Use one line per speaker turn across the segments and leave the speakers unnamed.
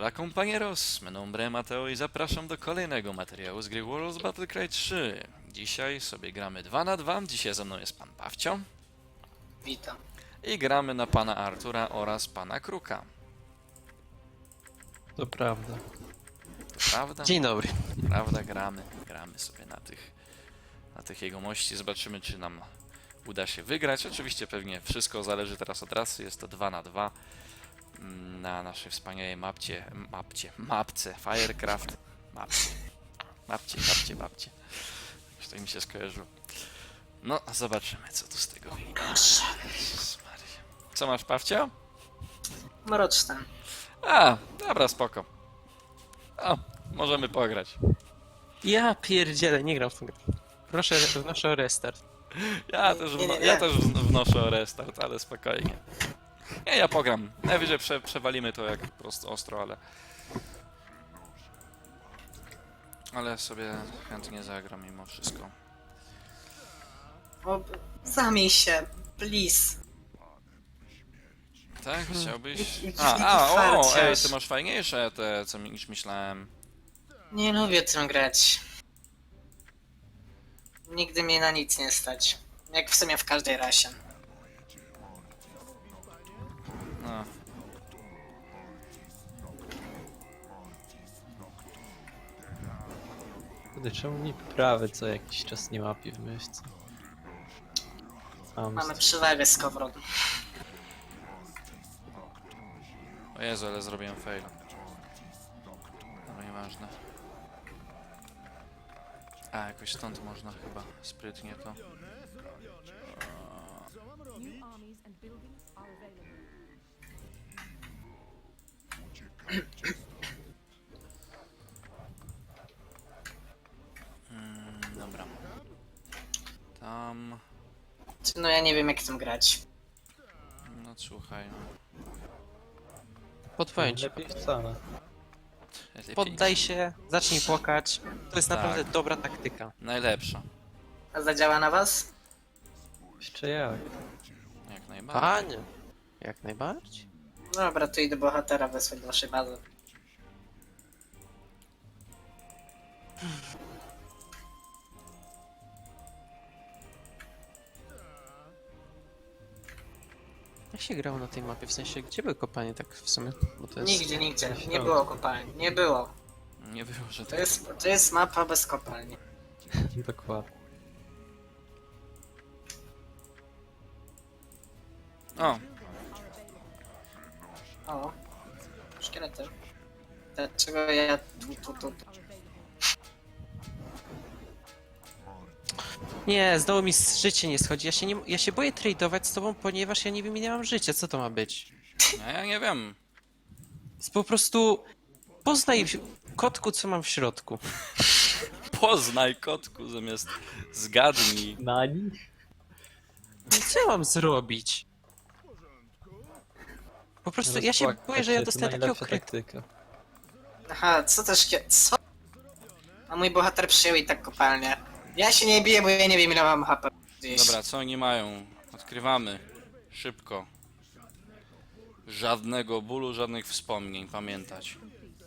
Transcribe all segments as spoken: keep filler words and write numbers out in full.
Hola compañeros, mi nombre Mateo i zapraszam do kolejnego materiału z gry Warlords Battlecry trzy. Dzisiaj sobie gramy dwa na dwa, dzisiaj ze mną jest pan Pawcio.
Witam.
I gramy na pana Artura oraz pana Kruka.
To prawda.
To prawda?
Dzień dobry.
Prawda, gramy. Gramy sobie na tych, na tych jegomości. Zobaczymy, czy nam uda się wygrać. Oczywiście pewnie wszystko zależy teraz od rasy. Jest to dwa na dwa na naszej wspaniałej mapcie, mapcie, mapce Firecraft. Mapcie, mapcie, mapcie, mapcie. Już tak mi się skojarzyło. No, zobaczymy, co tu z tego wyjdzie. Jezus Maria. Co masz, Pawcio?
Mroczny.
A, dobra, spoko. O, możemy pograć.
Ja pierdzielę, nie gram w tą grę. Proszę, wnoszę o restart.
Ja też,
Nie, nie,
wno-
nie.
ja też wno- wnoszę o restart, ale spokojnie. Nie, ja pogram. Najwyżej prze, przewalimy to jak po prostu ostro, ale... Ale sobie chętnie zagram mimo wszystko.
O, zamień się, please.
Tak? Chciałbyś?
Jaki
A, a, o,
farciarz.
ej, ty masz fajniejsze te, co mi- niż myślałem.
Nie lubię tym grać. Nigdy mnie na nic nie stać. Jak w sumie w każdej rasie.
No.
Kurde, czemu mi prawy co jakiś czas nie łapie w myszce? Mam
Mamy przewagę z kowrotem.
O Jezu, ale zrobiłem faila. No nieważne. A, jakoś stąd można chyba sprytnie to...
New armies and buildings are available.
Mm, dobra. Tam...
No ja nie wiem jak tym grać.
No słuchaj, no.
Podpowiem ci.
Lepiej wcale.
Lepiej.
Poddaj się, zacznij płakać. To jest
Tak.
naprawdę dobra taktyka.
Najlepsza.
A zadziała na was?
Jeszcze jak?
Jak najbardziej.
Panie, jak najbardziej.
Dobra, to idę bohatera wysłać do waszej bazy.
Jak się grało na tej mapie? W sensie, gdzie były kopanie tak w sumie? Bo to jest...
Nigdzie, nigdzie. Nie było kopalni. Nie było.
Nie było, że
To
tak.
jest, to jest mapa bez kopalni.
Dokładnie.
O,
O. Szkielety. Dlaczego ja tu, tu, tu, tu?
Nie, znowu mi z życie nie schodzi. Ja się, nie, ja się boję tradeować z tobą, ponieważ ja nie wiem ile mam życia. Co to ma być?
a ja nie wiem.
Jest po prostu... Poznaj w- kotku, co mam w środku.
Poznaj, kotku, zamiast zgadnij.
Na nich?
No co ja mam zrobić? Po prostu ja się boję, że ja dostanę takiego
najlepsza
krytu.
taktyka.
Aha, co to szkie... Co? A mój bohater przyjął i tak kopalnię. Ja się nie biję, bo ja nie wiem ile mam H P. Gdzieś.
Dobra, co oni mają? Odkrywamy. Szybko. Żadnego bólu, żadnych wspomnień, pamiętać.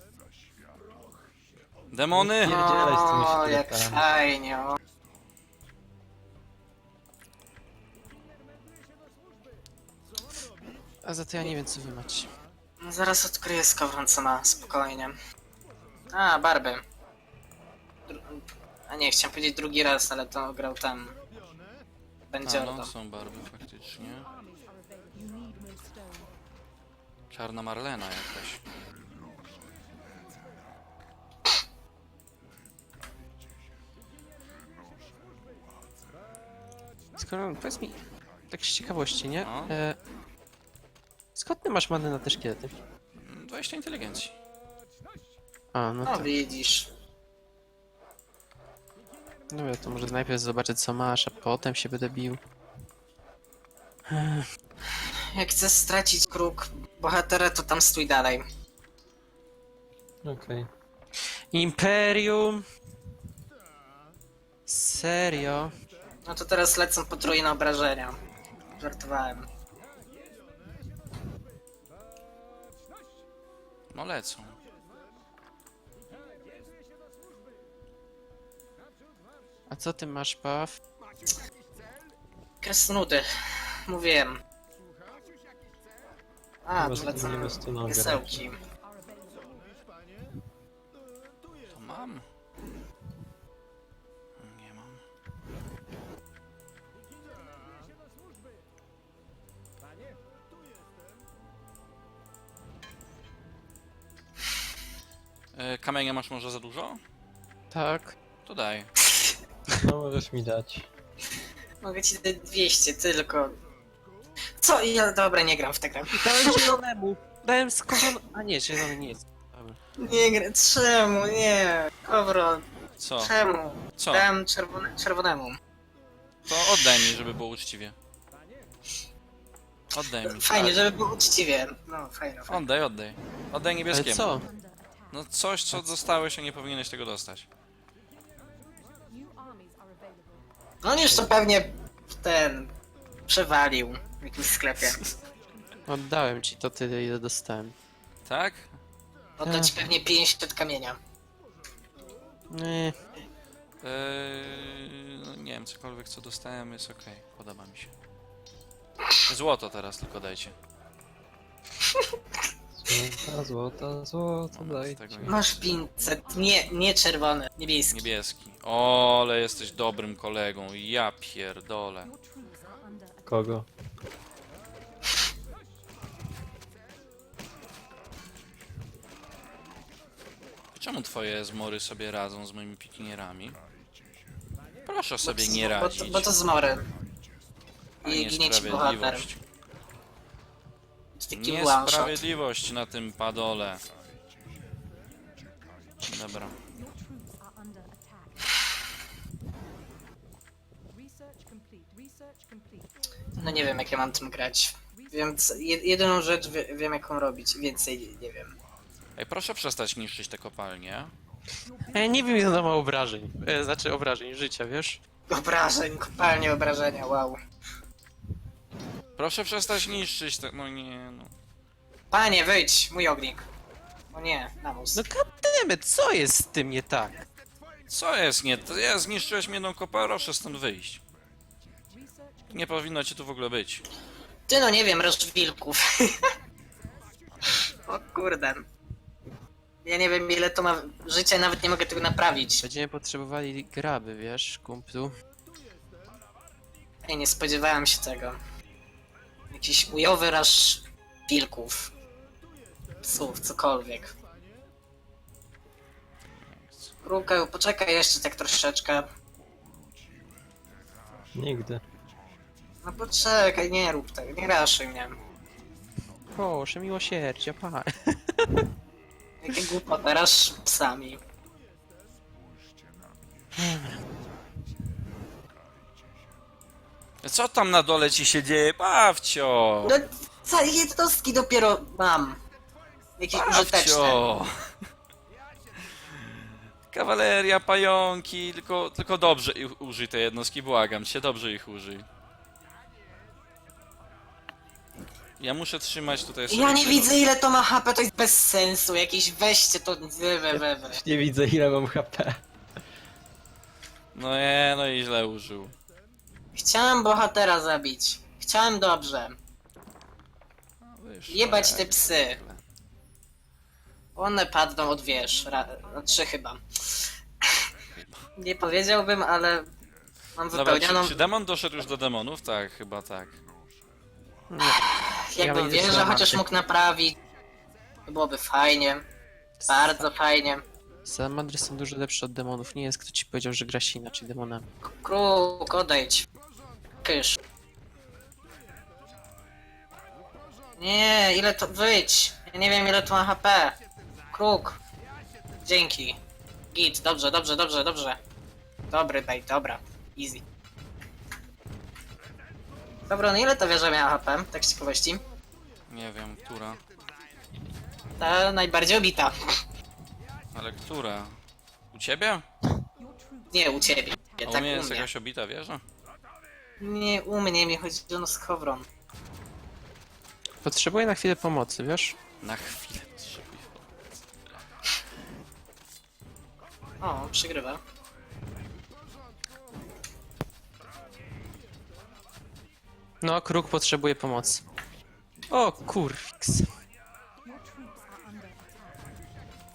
Demony!
Pierdzielaj z tymi
O, jak
szkieletami.
fajnie, o.
A za to ja nie wiem, co wy macie.
No zaraz odkryję skowron, co ma, spokojnie. A, Barby. Dru... A nie, chciałem powiedzieć drugi raz, ale to grał tam... Będzie
A, no,
Ordo.
są barwy faktycznie.
Armies are available. You need more stone.
Czarna Marlena jakaś.
Skoro, powiedz mi, tak z ciekawości, nie?
No.
E, skąd ty masz manę na te szkielety?
dwadzieścia inteligencji.
A, no
No
to...
widzisz.
Dobra, to może najpierw zobaczę, co masz, a potem się będę bił.
Jak chcesz stracić kruk bohatera, to tam stój dalej.
Okej.
Imperium! Serio?
No to teraz lecą potrójne obrażenia. Żartowałem.
No lecą.
A co ty masz, Paw?
Kresnudy. Mówiłem. A,
Chyba, że to
polecam
nie bez tu nogę.
piesełki.
To mam? Nie mam. E, Kamienia masz może za dużo?
Tak.
To daj.
No możesz mi dać.
Mogę ci dać dwieście tylko. Co? Ja dobra, nie gram w tę grę.
Dałem zielonemu. Dałem skowron... A nie, zielony nie jest. Dobra.
Nie gram. Czemu? Nie. Kowron.
Co?
Czemu?
Co?
Dałem czerwone, czerwonemu.
To oddaj mi, żeby było uczciwie. Oddaj mi.
Fajnie,
tak.
żeby było uczciwie. No, fajnie, fajnie.
Oddaj, oddaj. Oddaj
Ale
niebieskiemu.
co?
No coś, co dostałeś, a nie powinieneś tego dostać.
New armies are available.
No on już to pewnie ten... przewalił w jakimś sklepie.
Oddałem ci to tyle, ile dostałem.
Tak?
Oddać pewnie pięćdziesiąt kamienia.
Nie.
Eee, no nie wiem, cokolwiek co dostałem jest okej, podoba mi się. Złoto teraz tylko dajcie.
Złota, złota, złota,
Moment,
daj.
tego nie.
Masz pięćset. Nie, nie czerwony. Niebieski.
Niebieski. O, ale jesteś dobrym kolegą. Ja pierdolę.
Your troops are under attack.
Kogo?
Czemu twoje zmory sobie radzą z moimi pikinierami? Proszę sobie nie
Bo,
radzić.
to- bo to zmory.
A
I ginie ci bohater.
niesprawiedliwość.
To taki one shot.
Niesprawiedliwość na tym padole. Dobra.
Your troops are under attack. Research complete. Research complete.
No nie wiem jak ja mam tym grać. Wiem, co, jed- jedyną rzecz wie, wiem jaką robić. Więcej nie wiem.
Ej, proszę przestać niszczyć te kopalnie.
Ja nie wiem, ile to ma obrażeń. E, znaczy obrażeń życia, wiesz?
Obrażeń, kopalnie obrażenia, wow.
Proszę przestać niszczyć te... No nie, no.
Panie, wyjdź, mój ognik. O nie, namus.
No goddammit, co jest z tym nie tak?
Co jest nie? To ja zniszczyłeś mi jedną kopę, proszę stąd wyjść.
Research
Nie powinno cię tu w ogóle być.
Ty no nie wiem, roż wilków. O kurde. Ja nie wiem ile to ma życia, nawet nie mogę tego naprawić.
Będziemy potrzebowali graby, wiesz, kumplu.
Ej, nie spodziewałem się tego. Jakiś ujowy raż wilków. Psów, cokolwiek. Rukeł, poczekaj jeszcze tak troszeczkę.
Nigdy.
No poczekaj, nie rób tego, nie raszuj mnie.
Proszę, miłosierdzia, pa.
Jakie głupota, raż psami.
Co tam na dole ci się dzieje, Bawcio?
No, co, jednostki dopiero mam. Jakieś użyteczne.
Bawcio! Kawaleria, pająki, tylko, tylko dobrze ich użyj te jednostki, błagam cię, dobrze ich użyj. Ja muszę trzymać tutaj sobie
Ja nie
tego-
widzę ile to ma H P, to jest bez sensu. Jakieś weźcie to, we, we, we, we.
Nie widzę ile mam H P.
No nie, no i źle użył.
Chciałem bohatera zabić. Chciałem dobrze.
No, wyszło
Jebać
jak
te psy.
zwykle.
One padną od wież. Ra, no, trzy chyba. Nie powiedziałbym, ale mam
Dobra,
wypełnioną.
czy, czy demon doszedł już do demonów? Tak, chyba tak.
Nie.
Jakbym
ja
wieżę
będę
chociaż mógł naprawić. To byłoby fajnie. Bardzo fajnie.
Salamandry są dużo lepsze od demonów. Nie jest kto ci powiedział, że gra się inaczej demonami.
Kruk, odejdź. Kysz. Nie, ile to... Wyjdź. Ja nie wiem ile to ma H P. Kruk. Dzięki. Git, dobrze, dobrze, dobrze, dobrze. Dobry bait, dobra. Easy. Dobra, no ile ta wieża miała H P? Tak z ciekawości.
Nie wiem, która.
Ta najbardziej obita.
Ale która? U ciebie?
Your troops
Nie, u ciebie.
A
Tak
u mnie
u
jest
mnie.
jakaś obita wieża?
Nie, u mnie mi chodzi o skowron.
Potrzebuję na chwilę pomocy, wiesz?
Na chwilę potrzebuję.
O, przegrywa.
No, kruk potrzebuje pomocy. O, kurwiks.
Your troops are under attack.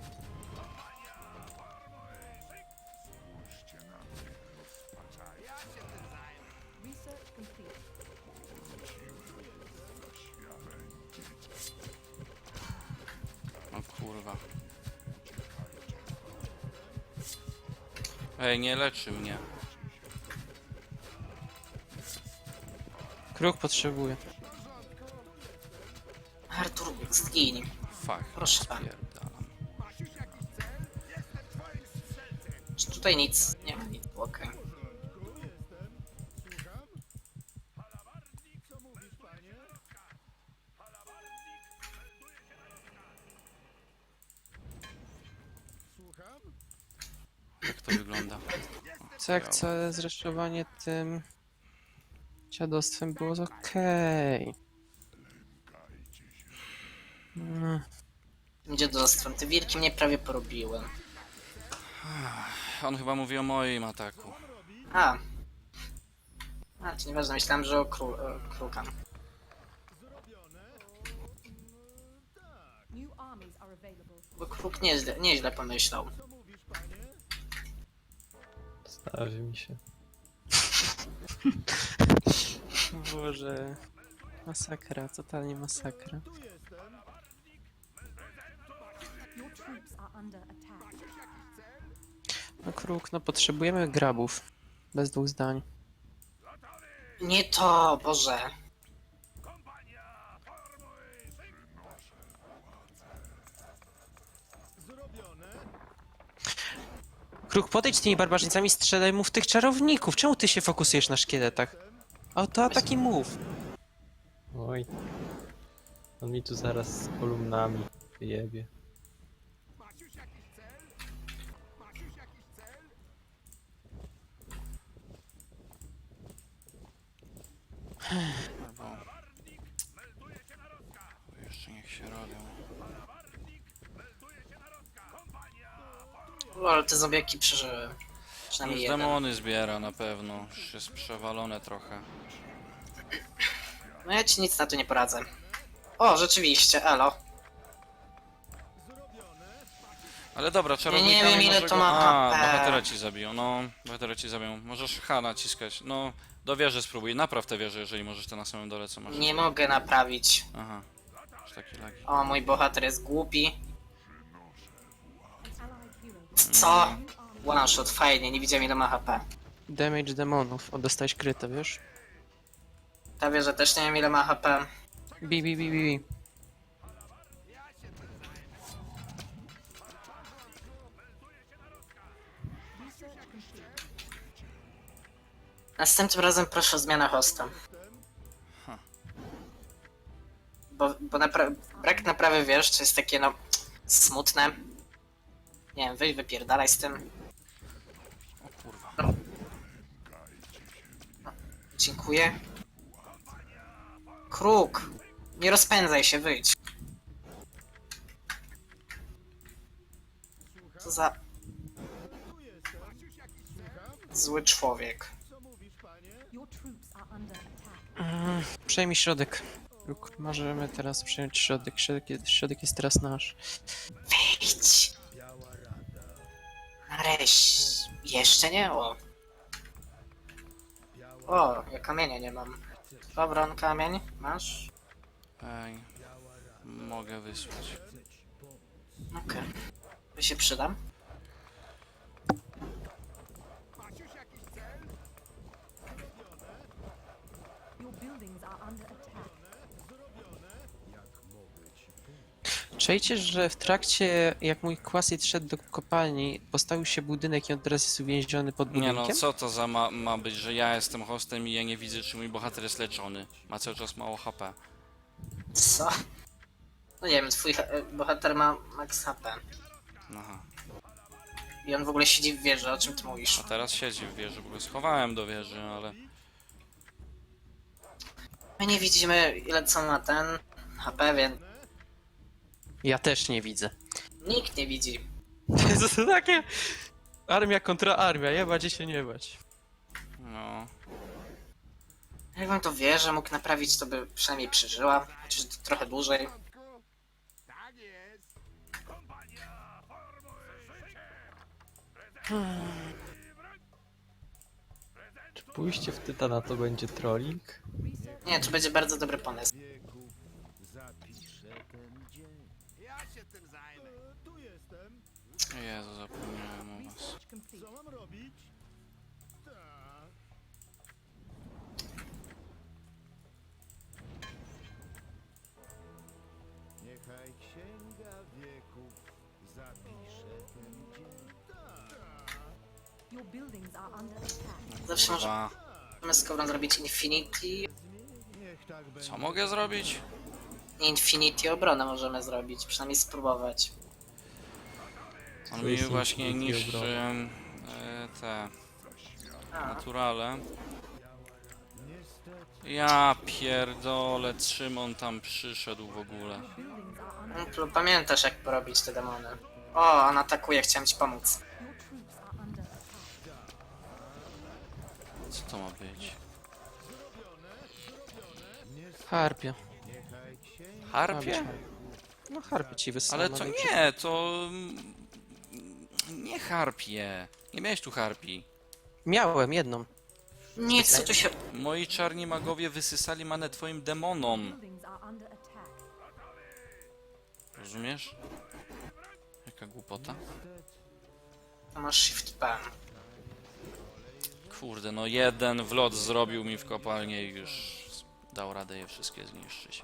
Research complete.
O kurwa. Ej, nie leczy mnie.
Kruk potrzebuje.
Artur, zgiń.
Fuck.
Proszę pana.
Spierdalam.
Czy tutaj nic? Nie ma nic, okej.
Jak to wygląda?
Co jak całe zresztowanie tym dziadostwem było okej. No,
Tym dziadostwem. Te wilki mnie prawie porobiły.
On chyba mówi o moim ataku.
A. A, to nieważne, myślałem, że o, kru, o kruka.
New armies are available.
Bo kruk nieźle, nieźle pomyślał.
Starzy mi się.
Boże. Masakra, totalnie masakra.
Your troops are under attack.
No kruk, no potrzebujemy grabów. Bez dwóch zdań.
Nie to, Boże.
Kruk, podejdź tymi barbarzyńcami, strzelaj mu w tych czarowników. Czemu ty się fokusujesz na szkieletach? Autoataki mów.
Oj. On mi tu zaraz z kolumnami wyjebie.
Albo... Jeszcze niech się robią.
O, ale te zombiaki przeżyły. Przynajmniej
Już
jeden.
demony zbiera na pewno. Już jest przewalone trochę.
No ja ci nic na to nie poradzę. O, rzeczywiście, elo.
Ale dobra, czarownikami
wiem, ile
może
to
go...
ma
A,
H P.
bohatera ci zabiją, no. Bohatera ci zabiją. Możesz H naciskać. No, do wieży spróbuj. Napraw tę wieżę, jeżeli możesz to na samym dole, co masz.
Nie mogę naprawić.
Aha. Już taki lagi.
O, mój bohater jest głupi.
An allied hero.
Co?
Mm.
New army.
One shot, fajnie, nie widziałem ile ma H P.
Damage demonów. O, dostałeś krytę, wiesz?
Ta wieża też nie wiem ile ma H P.
Bi, bi, bi, bi, bi.
Research complete.
Następnym razem proszę o zmianę hosta. Bo, bo napra brak naprawy wiesz, to jest takie no smutne. Nie wiem, wyjdź wypierdalaj z tym.
O kurwa.
Dziękuję. Kruk! Nie rozpędzaj się, wyjdź. Co za... Zły człowiek.
Your troops are under attack.
Mm, przejmij środek. Kruk, możemy teraz przejąć środek. Środek jest, środek jest teraz nasz.
Wyjdź! Nareszcie. Jeszcze nie? O. O, ja kamienia nie mam. Dobra, on kamień. Masz?
Ej. Mogę wysłać.
Okej. To się przydam.
Your buildings are under attack.
Czajcie, że w trakcie, jak mój Quasit szedł do kopalni, postawił się budynek i on teraz jest uwięziony pod
Nie
budynkiem?
no, co to za ma, ma być, że ja jestem hostem i ja nie widzę, czy mój bohater jest leczony. Ma cały czas mało H P.
Co? No nie wiem, twój e, bohater ma max H P.
Aha.
I on w ogóle siedzi w wieży, o czym ty mówisz?
A teraz siedzi w wieży, bo go schowałem do wieży, ale...
My nie widzimy ile co ma ten H P, więc
Ja też nie widzę.
nikt nie widzi.
To takie... Armia kontra armia, jebać i się nie bać.
No...
Jakbym to wieżę mógł naprawić, to by przynajmniej przeżyła. Chociaż to trochę dłużej.
Czy pójście w Tytana to będzie trolling?
Nie, to będzie bardzo dobry pomysł.
Jezu, zapomniałem o was.
Complete.
Niechaj księga wieków zapisze ten dzień.
Your buildings are under attack.
Zawsze
Dwa.
możemy z Kowron zrobić Infinity.
Niech tak będzie.
Co mogę zrobić?
Infinity obronę możemy zrobić, przynajmniej spróbować.
On
To
mi
jest
właśnie
Infinity
niszczy
obrona.
e, te
A,
naturale. Ja pierdolę, czym on tam przyszedł w ogóle?
Buildings are under
no, to pamiętasz jak porobić te demony. O, on atakuje, chciałem ci pomóc.
your troops are under attack.
Co to ma być?
Harpie.
Harpie?
No harpie ci wysyłam.
Ale to nie, to... mm, Nie harpie. Nie miałeś tu harpi.
Miałem jedną.
Nic, co tu się...
Moi czarni magowie wysysali manę twoim demonom.
Buildings are under attack.
Rozumiesz? Jaka głupota.
To masz Shift P.
Kurde, no jeden wlot zrobił mi w kopalnię i już dał radę je wszystkie zniszczyć.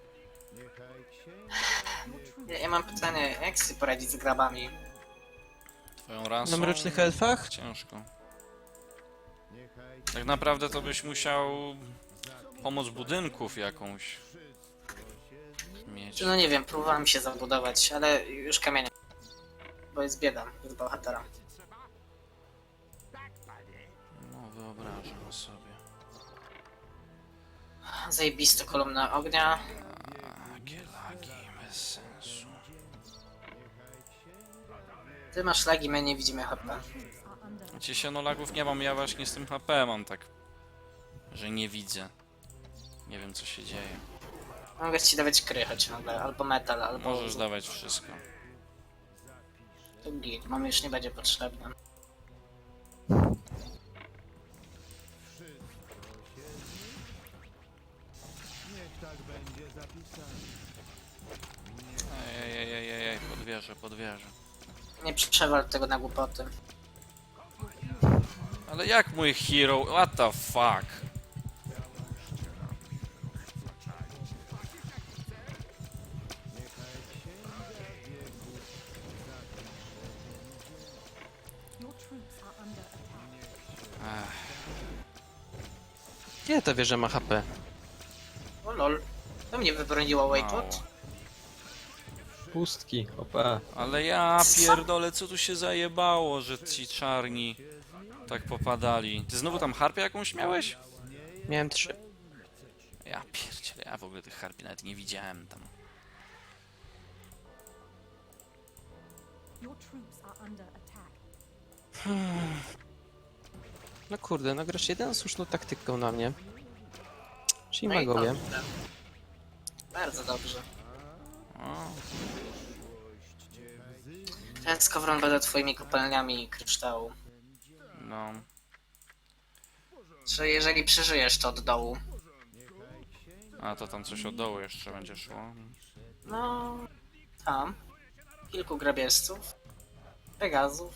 Ja, ja mam pytanie, jak sobie poradzić z grabami?
Twoją rasą?
Na mrocznych elfach?
Ciężko. Tak naprawdę to byś musiał pomoc budynków jakąś mieć.
No nie wiem, próbowałem się zabudować, ale już kamienia. Bo jest bieda z bohatera.
No wyobrażam sobie.
Zajebiste kolumna ognia.
Jakie lagi, bez sensu.
Ty masz lagi, my nie widzimy H P.
Are under
Wiecie się, no lagów nie mam, ja właśnie z tym H P mam tak, że nie widzę. Nie wiem co się dzieje.
Mogę ci dawać krychę ciągle, albo metal, albo...
Możesz dawać wszystko.
To git, mam już nie będzie potrzebne.
Niech tak będzie zapisane.
Ej, ej, ej, ej, ej, podwierzę, podwierzę.
Nie przewal tego na głupoty.
Ale jak mój hero? What the fuck?
your troops are under attack.
Ech,
Nie, ta wieża ma H P.
O lol. To mnie wybroniło Waypot.
Pustki, opa.
ale ja pierdolę, co tu się zajebało, że ci czarni tak popadali. Ty znowu tam harpę jakąś miałeś?
Miałem trzy.
Ja pierdzielę, ja w ogóle tych harpi nawet nie widziałem tam.
Your troops are under attack.
No kurde, no grasz jedyną słuszną taktyką na mnie. Czyli
No i
magowie.
dobrze. Bardzo dobrze.
O,
Ten skowron będę twoimi kopalniami kryształu.
no.
Czy jeżeli przeżyjesz to od dołu?
A to tam coś od dołu jeszcze będzie szło.
No... Tam. Kilku grabieżców. Pegazów.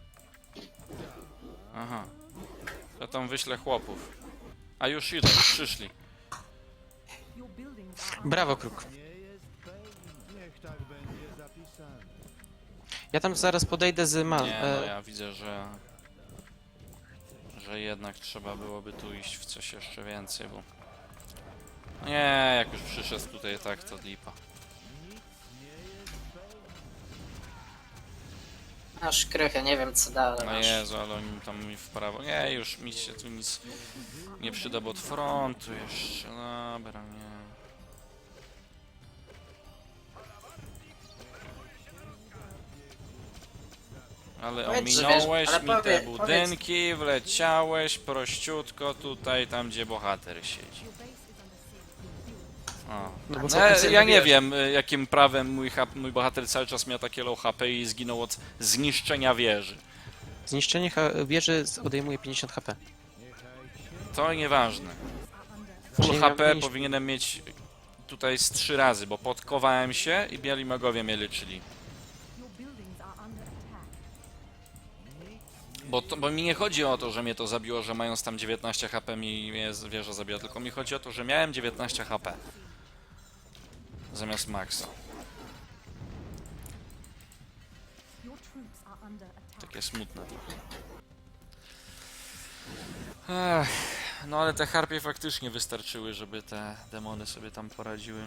Aha. Ja tam wyślę chłopów. A już idą, przyszli.
Your buildings are under
Brawo, Kruk.
Niech tak będzie zapisane.
Ja tam zaraz podejdę z man.
Nie, no
E,
ja widzę, że... Że jednak trzeba byłoby tu iść w coś jeszcze więcej, bo... Nie, jak już przyszedł tutaj tak, to lipa.
Masz krychę, nie wiem co dalej
No
masz.
Jezu, ale oni tam mi w prawo... Nie, już mi się tu nic nie przyda, bo od frontu jeszcze... Dobra, nie. Ale
Powiedz, że
ominąłeś
wiesz, ale
mi
powie-
te budynki, wleciałeś prościutko tutaj, tam gdzie bohater siedzi. O.
No bo
No,
potem sobie
ja nie
wiesz.
wiem, y, jakim prawem mój, hap, mój bohater cały czas miał takie low H P i zginął od zniszczenia wieży.
Zniszczenie ha- wieży z- odejmuje pięćdziesiąt H P.
To nieważne.
Czyli
Full
ja
H P
powinien-
powinienem mieć tutaj z trzy razy, bo podkowałem się i biali magowie mnie leczyli.
Your buildings are under attack.
Bo, to, bo mi nie chodzi o to, że mnie to zabiło, że mając tam dziewiętnaście H P mi mnie z- wieża zabiła, tylko mi chodzi o to, że miałem dziewiętnaście H P. Zamiast maksa.
Your troops are under attack.
Takie smutne trochę. Ech, no ale te harpie faktycznie wystarczyły, żeby te demony sobie tam poradziły.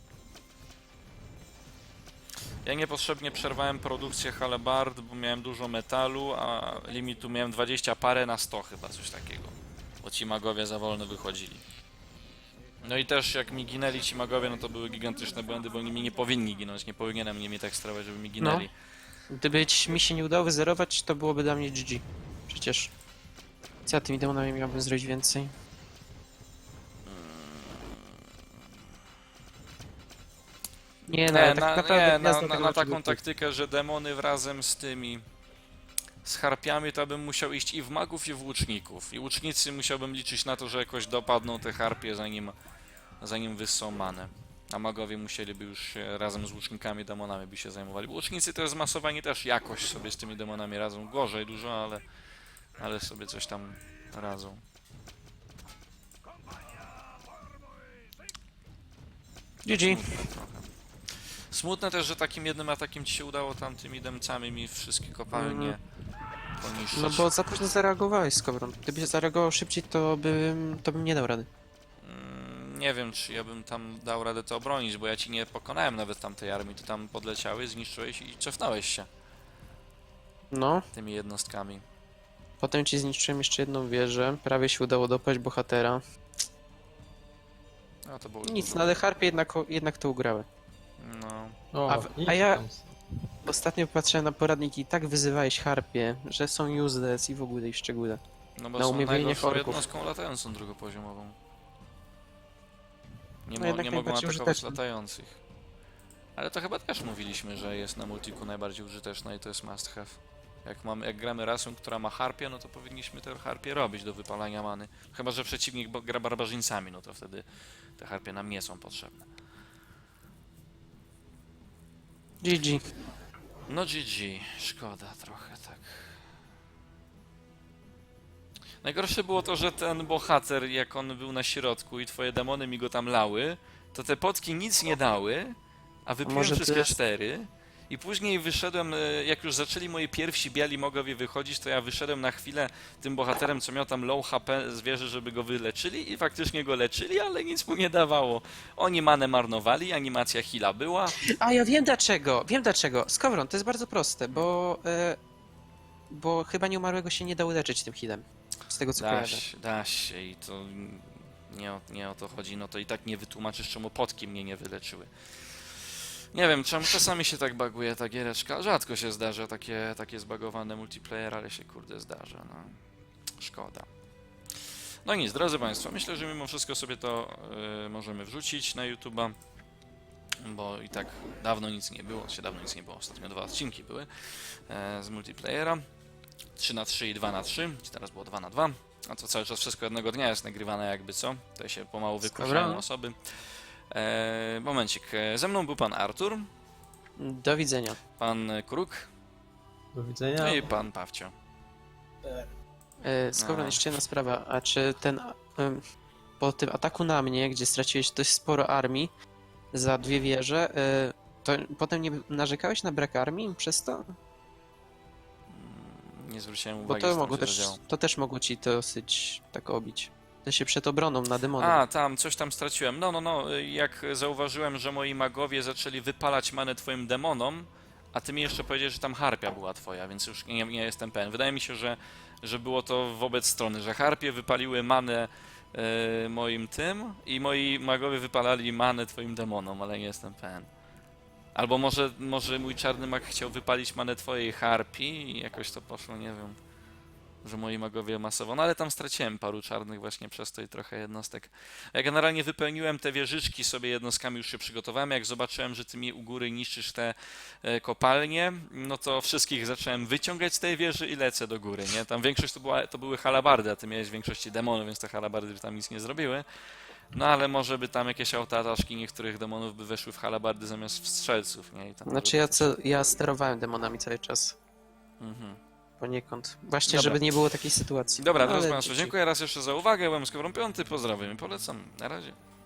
Ja niepotrzebnie przerwałem produkcję halebard, bo miałem dużo metalu, a limitu miałem dwadzieścia parę na sto chyba, coś takiego. Bo ci magowie za wolno wychodzili. No i też jak mi ginęli ci magowie, no to były gigantyczne błędy, bo oni mi nie powinni ginąć, nie powinienem nimi tak sterować, żeby mi ginęli.
Gdyby ci- mi się nie udało wyzerować, to byłoby dla mnie G G. Przecież... Co ja tymi demonami miałbym zrobić więcej? Nie no,
Nie,
tak
na,
naprawdę
nie, na,
gwiazda
na,
tego
na taką
czegoś-
taktykę, że demony razem z tymi z harpiami, to bym musiał iść i w magów, i w łuczników. I łucznicy musiałbym liczyć na to, że jakoś dopadną te harpie, zanim, zanim wyssą manę. A magowie musieliby już się razem z łucznikami, demonami by się zajmowali. Bo łucznicy to jest zmasowani też jakoś sobie z tymi demonami radzą. Gorzej dużo, ale, ale sobie coś tam radzą.
G G.
Smutne trochę. Smutne też, że takim jednym atakiem ci się udało tam tymi demcami mi wszystkie kopalnie poniszczyć.
No bo za późno zareagowałeś, Skowron. Gdybyś zareagował szybciej, to bym, to bym nie dał rady.
Mm, Nie wiem, czy ja bym tam dał radę to obronić, bo ja ci nie pokonałem nawet tamtej armii. Ty tam podleciałeś, zniszczyłeś i cofnąłeś się
No,
tymi jednostkami.
potem ci zniszczyłem jeszcze jedną wieżę, prawie się udało dopaść bohatera.
No to było
Nic,
dużo.
no ale harpie jednak, jednak to ugrały.
No.
O,
A w-
idź
a ja-
tam.
Ostatnio patrzyłem na poradniki i tak wyzywałeś harpie, że są useless i w ogóle i w szczególe.
No bo
Na
są
umówienie
najgorszą
orków.
jednostką latającą drugopoziomową. Nie,
No
mo
jednak
nie mogą
najbardziej
atakować
użyteczny.
latających. Ale to chyba też mówiliśmy, że jest na multiku najbardziej użyteczna i to jest must have. Jak, mamy, jak gramy rasą, która ma harpie, no to powinniśmy te harpie robić do wypalania many. Chyba że przeciwnik bo- gra barbarzyńcami, no to wtedy te harpie nam nie są potrzebne.
G G.
No G G, szkoda trochę, tak. Najgorsze było to, że ten bohater, jak on był na środku i twoje demony mi go tam lały, to te potki nic nie dały, a wypiłem
może
wszystkie
ty-
cztery. I później wyszedłem, e, jak już zaczęli moi pierwsi biali mogowie wychodzić, to ja wyszedłem na chwilę tym bohaterem, co miał tam low H P z wieży, żeby go wyleczyli i faktycznie go leczyli, ale nic mu nie dawało. Oni manę marnowali, animacja heala była.
A ja wiem dlaczego, wiem dlaczego. Skowron, to jest bardzo proste, bo... E, bo chyba nieumarłego się nie da uleczyć tym healem. Z tego co
Da
kojarzę.
się, da się i to nie o, nie o to chodzi, no to i tak nie wytłumaczysz, czemu potki mnie nie wyleczyły. Nie wiem, czemu czasami się tak baguje ta giereczka. Rzadko się zdarza takie, takie zbagowane multiplayer, ale się kurde zdarza, no. Szkoda. No nic, drodzy Państwo, myślę, że mimo wszystko sobie to y, możemy wrzucić na YouTube'a, bo i tak dawno nic nie było, się dawno nic nie było, ostatnio dwa odcinki były e, z multiplayera. trzy na trzy i dwa na trzy, czy teraz było dwa na dwa, a to cały czas wszystko jednego dnia jest nagrywane jakby co, tutaj się pomału wykruszają
Dobra.
osoby. E, momencik, e, ze mną był pan Artur,
Do widzenia.
pan Kruk
Do widzenia.
no i pan Pawcio.
E, Skowron,
No.
jeszcze jedna sprawa. A czy ten... em, po tym ataku na mnie, gdzie straciłeś dość sporo armii za dwie wieże, e, to potem nie narzekałeś na brak armii przez to?
Mm, Nie zwróciłem
Bo
uwagi,
to
co tam
mogło
się
też,
zadziało.
to też mogło ci dosyć tak obić. To się przed obroną na demonem.
A, tam, coś tam straciłem. No, no, no, y, jak zauważyłem, że moi magowie zaczęli wypalać manę twoim demonom, a ty mi jeszcze powiedziałeś, że tam harpia była twoja, więc już nie, nie jestem pewien. Wydaje mi się, że, że było to wobec strony, że harpie wypaliły manę y, moim tym i moi magowie wypalali manę twoim demonom, ale nie jestem pewien. Albo może, może mój czarny mag chciał wypalić manę twojej harpii i jakoś to poszło, nie wiem. Że moi magowie masowo, no ale tam straciłem paru czarnych właśnie przez to i trochę jednostek. Ja generalnie wypełniłem te wieżyczki sobie jednostkami, już się przygotowałem. Jak zobaczyłem, że ty mi u góry niszczysz te e, kopalnie, no to wszystkich zacząłem wyciągać z tej wieży i lecę do góry, nie? Tam większość to, była, to były halabardy, a ty miałeś w większości demonów, więc te halabardy by tam nic nie zrobiły. No ale może by tam jakieś autoataszki niektórych demonów by weszły w halabardy zamiast w strzelców, nie? I tam
Znaczy ja, co, ja sterowałem demonami cały czas.
Mhm.
Poniekąd. Właśnie,
Dobra.
żeby nie było takiej sytuacji.
Dobra,
No,
drodzy
ale
Państwo,
dzięki.
dziękuję raz jeszcze za uwagę. Byłem Skowron Piąty, pozdrawiam i polecam. Na razie.